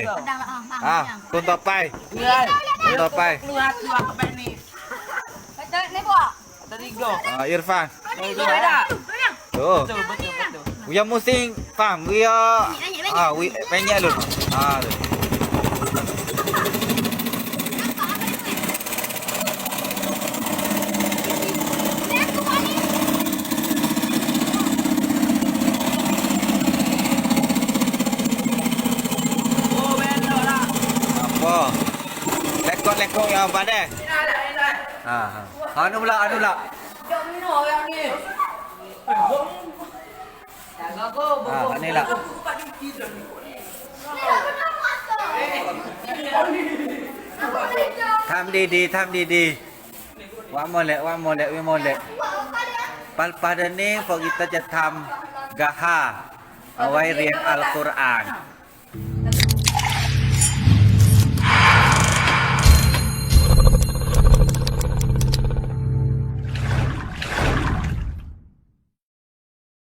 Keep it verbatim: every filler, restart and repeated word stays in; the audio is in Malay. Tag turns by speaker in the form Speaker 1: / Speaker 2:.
Speaker 1: Pedang lah. Ah,
Speaker 2: อ่ะ
Speaker 1: ah,
Speaker 2: คนต่อไป
Speaker 3: Lihat.
Speaker 2: คนต่อไป
Speaker 3: Lihat lihat apa ni?
Speaker 1: Betul ni buat.
Speaker 3: Terigo.
Speaker 2: อ่าอิรฟาน
Speaker 3: Terigo ada.
Speaker 2: โอ้
Speaker 3: Betul betul betul.
Speaker 2: Yang musim faham dia ah wi banyak lu. Ah.
Speaker 3: Oh benar lah.
Speaker 2: Apa? Lekok-lekok yang apa deh? Ha. Ha. Anu pula, anu pula.
Speaker 3: Jom minum yang ni. Jaga go.
Speaker 2: Ha, ni lah. Tham đi đi, tham đi đi. One more lek, one more lek, one more lek. Pada ni kitaจะทำ gaha เอาไว้เรียนอัลกุรอาน